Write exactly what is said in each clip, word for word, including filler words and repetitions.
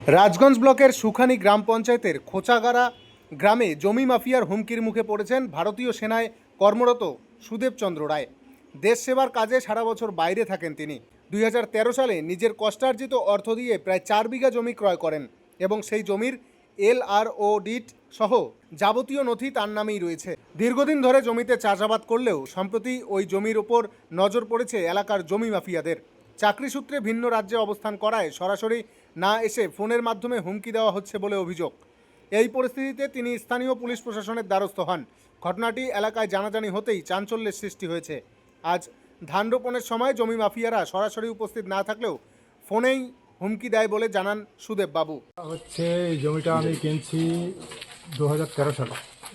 রাজগঞ্জ ব্লকের সুখানী গ্রাম পঞ্চায়েতের খোঁচাগাড়া গ্রামে জমি মাফিয়ার হুমকির মুখে পড়েছেন ভারতীয় সেনায় কর্মরত সুদেব চন্দ্র রায়। দেশ সেবার কাজে সারা বছর বাইরে থাকেন তিনি। দুই হাজার তেরো সালে নিজের কষ্টার্জিত অর্থ দিয়ে প্রায় চার বিঘা জমি ক্রয় করেন এবং সেই জমির এল আর ও ডিট সহ যাবতীয় নথি তার নামেই রয়েছে। দীর্ঘদিন ধরে জমিতে চাষাবাদ করলেও সম্প্রতি ওই জমির ওপর নজর পড়েছে এলাকার জমি মাফিয়াদের। চাকরি সূত্রে ভিন্ন রাজ্যে অবস্থান করায় সরাসরি না এসে ফোনের মাধ্যমে হুমকি দেওয়া হচ্ছে বলে অভিযোগ। এই পরিস্থিতিতে তিনি স্থানীয় পুলিশ প্রশাসনের দ্বারস্থ হন। ঘটনাটি এলাকায় জানাজানি হতেই চাঞ্চল্যের সৃষ্টি হয়েছে। আজ ধান রোপণের সময় জমি মাফিয়ারা সরাসরি উপস্থিত না থাকলেও ফোনেই হুমকি দেয় বলে জানান সুদেব বাবু। হচ্ছে এই জমিটা আমি কিনছি দু হাজার তেরো সালে।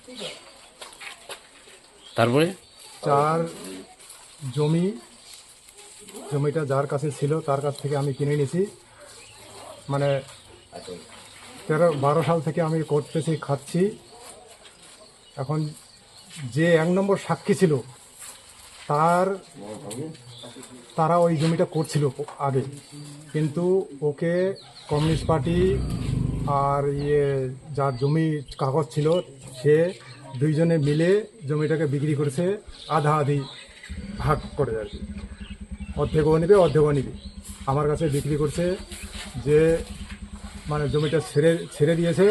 তারপরে চার জমি জমিটা যার কাছে ছিল তার কাছ থেকে আমি কিনে নিয়েছি। মানে তেরো বারো সাল থেকে আমি করতেছি, খাচ্ছি। এখন যে এক নম্বর সাক্ষী ছিল তার তারা ওই জমিটা করছিল আগে, কিন্তু ওকে কমিউনিস্ট পার্টি আর ইয়ে যার জমি কাগজ ছিল সে দুইজনে মিলে জমিটাকে বিক্রি করেছে, আধা আধি ভাগ করে আর কি। অর্ধেকও নেবে অর্ধেকও নেবে আমার কাছে বিক্রি করছে। যে মানে জমিটা ছেড়ে ছেড়ে দিয়েছে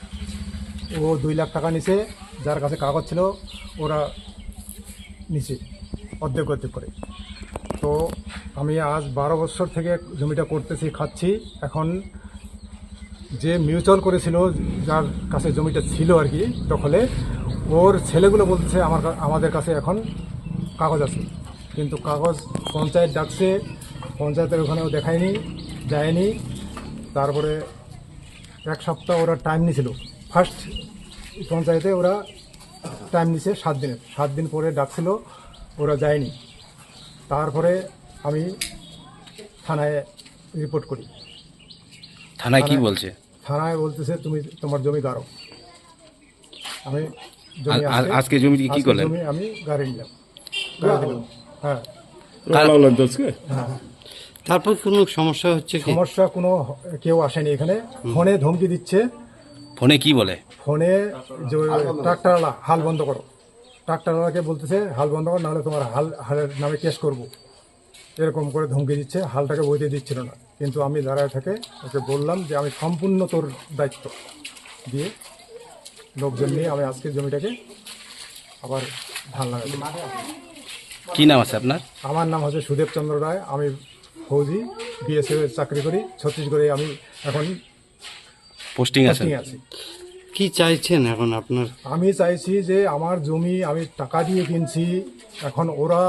ও দুই লাখ টাকা নিছে, যার কাছে কাগজ ছিল ওরা নিচে অর্ধেক অর্ধেক করে। তো আমি আজ বারো বছর থেকে জমিটা করতেছি, খাচ্ছি। এখন যে মিউচুয়াল করেছিল, যার কাছে জমিটা ছিল আর কি দখলে, ওর ছেলেগুলো বলতেছে আমার আমাদের কাছে এখন কাগজ আছে, কিন্তু কাগজ পঞ্চায়েত ডাকছে, পঞ্চায়েতের ওখানেও দেখায়নি, যায়নি। তারপরে এক সপ্তাহ ওরা টাইম নিয়েছিল, ফার্স্ট পঞ্চায়েতে ওরা টাইম নিছে সাত দিনের, সাত দিন পরে ডাকছিল, ওরা যায়নি। তারপরে আমি থানায় রিপোর্ট করি। থানায় কি বলছে? থানায় বলতেছে তুমি তোমার জমি গাড়ো। আমি জমি আ- আ- আজকে জমি কি করলেন? জমি আমি গাড়ি নিলাম, গাড়ি দিলাম। হ্যাঁ হ্যাঁ। তারপর কোনো সমস্যা হচ্ছে কি? সমস্যা কোনো কেউ আসেনি এখানে। ফোনে ধমকি দিচ্ছে, ফোনে কি বলে? ফোনে যে ট্রাক্টরওয়ালা হাল বন্ধ করো, ট্রাক্টরওয়ালাকে বলতেছে হাল বন্ধ করো, নাহলে তোমার হাল হালের নামে কেস করবো, এরকম করে ধমকি দিচ্ছে। হালটাকে বইতে দিচ্ছিল না, কিন্তু আমি দাঁড়ায় থেকে ওকে বললাম যে আমি সম্পূর্ণ তোর দায়িত্ব দিয়ে লোকজন নিয়ে আমি আজকে জমিটাকে আবার ধান লাগাই। কি নাম আছে আপনার? আমার নাম হচ্ছে সুদেব চন্দ্র রায়। আমি ফৌজি বিএসএফ এর চাকরি করি, ছত্তিশগড়ে আমি এখন পোস্টিং আছে? পোস্টিং আছি। কি চাইছেন এখন আপনার? আমি চাইছি যে আমার জমি আমি টাকা দিয়ে কিনছি, এখন ওরা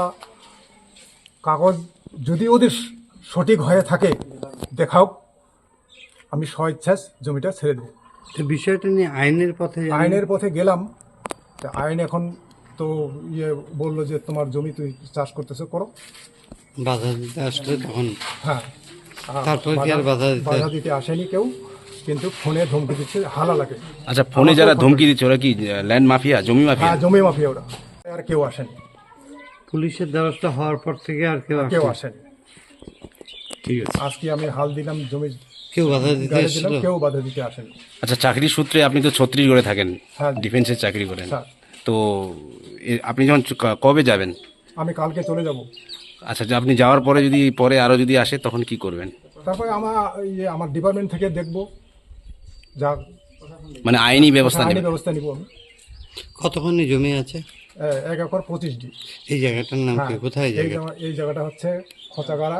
কাগজ যদি ওদের সঠিক হয়ে থাকে দেখাও, আমি স্বইচ্ছাস জমিটা ছেড়ে দেবো। তো বিষয়টা নিয়ে আইনের পথে যাবেন? আইনের পথে গেলাম, তা আইন এখন তো ইয়ে বললো যে তোমার জমি তুই চাষ করতেছো, করো। বাধা দিতে আসলে তখন হ্যাঁ, তারপর কি আর বাধা দিতে? বাধা দিতে আসেনি কেউ, কিন্তু ফোনে ধমকি দিচ্ছে হালালাকে। আচ্ছা, ফোনে যারা ধমকি দিচ্ছে ওরা কি ল্যান্ড মাফিয়া, জমি মাফিয়া? হ্যাঁ, জমি মাফিয়া ওরা। আর কেউ আসেনি, পুলিশের দ্বারস্থ হওয়ার পর থেকে আর কেউ কেউ আসেনি? আসেনি। ঠিক আছে। আজকে আমি হাল দিলাম, জমি কেউ বাধা দিতে গাড়ি এসেছিল? দিলাম, কেউ বাধা দিতে আসেনি। আচ্ছা, চাকরির সূত্রে আপনি তো ছত্তিশগড়ে থাকেন, হ্যাঁ। ডিফেন্সের চাকরি করেন, স্যার, তো এ- আপনি যখন চ- কবে যাবেন? আমি কালকে চলে যাব। আচ্ছা, যে আপনি যাওয়ার পরে যদি পরে আরো যদি আসে তখন কি করবেন? তারপরে আমার ইয়ে আমার ডিপার্টমেন্ট থেকে দেখবো, যা মানে আইনি ব্যবস্থা আইনি নেবেন? ব্যবস্থা নিব আমি। কতখানি জমি আছে? এ- এক একর পঁচিশ ডি। এই জায়গাটার নাম কি? হ্যাঁ, কোথায় এই জায়গা? জায়গা- এই জায়গাটা হচ্ছে খোঁচাগাড়া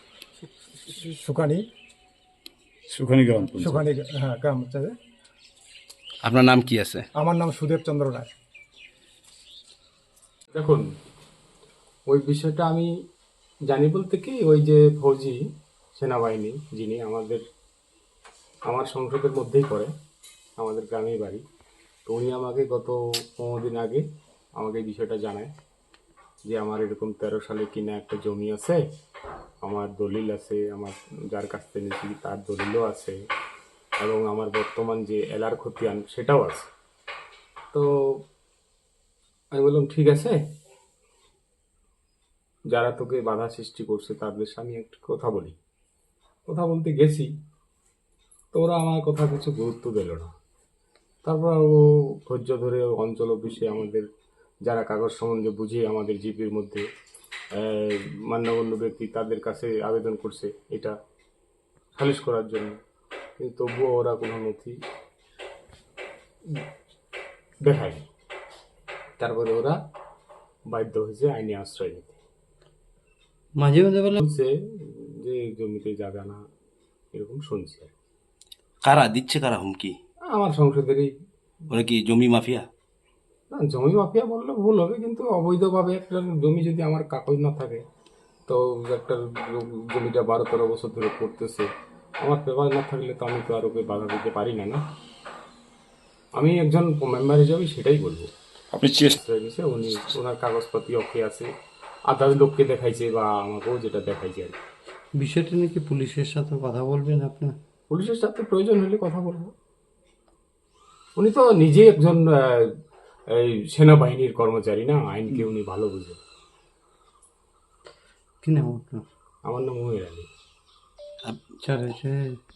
সুকানি সুখানি গ্রাম সুকানি হ্যাঁ গ্রাম হচ্ছে। আপনার নাম কি আছে? আমার নাম সুদেব চন্দ্র রায়। দেখুন, ওই বিষয়টা আমি জানি বলতে কি, ওই যে ফৌজি সেনাবাহিনী যিনি আমাদের আমার সংসদের মধ্যেই পড়ে, আমাদের গ্রামেই বাড়ি, তো উনি আমাকে গত পনেরো দিন আগে আমাকে এই বিষয়টা জানায় যে আমার এরকম তেরো সালে কিনা একটা জমি আছে, আমার দলিল আছে, আমার যার কাছ থেকে নিয়েছি তার দলিলও আছে, এবং আমার বর্তমান যে এলার খতিয়ান সেটাও আছে। তো আমি বললাম ঠিক আছে, যারা তোকে বাধা সৃষ্টি করছে তাদের সামনে একটু কথা বলি। কথা বলতে গেছি, তো ওরা আমার কথা কিছু গুরুত্ব দিল না। তারপর ও ধৈর্য ধরে অঞ্চল অফিসে আমাদের যারা কাগজ সম্বন্ধে বুঝিয়ে আমাদের জিপির মধ্যে আহ, মান্যগণ্য ব্যক্তি তাদের কাছে আবেদন করছে এটা খারিজ করার জন্য, কিন্তু তবুও ওরা কোনো নথি দেখায়নি। তারপরে ওরা বাধ্য হয়েছে আইনি আশ্রয় নিতে। মাঝে মাঝে বলে বলছে যে জমিতে জায়গা না, এরকম শুনছি আর কি। কারা দিচ্ছে, কারা হুমকি? আমার সংসদেরই। ওরা কি জমি মাফিয়া? না, জমি মাফিয়া বললে ভুল হবে, কিন্তু অবৈধভাবে একটা জমি যদি আমার কাগজ না থাকে, তো একটা জ- জমিটা বারো তেরো বছর ধরে করতেছে, আমার পেপার না থাকলে তো আমি তো আর ওকে বাধা দিতে পারি না। না, আমি একজন মেম্বার হিসাবে সেটাই বলবো। আপনি চেষ্টা আশ্রয় নিছে, উনি ওনার কাগজপাতি ওকে আছে, আদালত লোককে দেখাইছে বা আমাকেও যেটা দেখাইছে আর কি। বিষয়টা নাকি পুলিশের সাথে কথা বলবেন আপনার? পুলিশের সাথে প্রয়োজন হলে কথা বলবো। উনি তো নিজে একজন আহ, এই সেনাবাহিনীর কর্মচারী, না আইনকে উনি ভালো বুঝেন। কি নাম আপনার? আমার নাম মুহির আলী। আচ্ছা,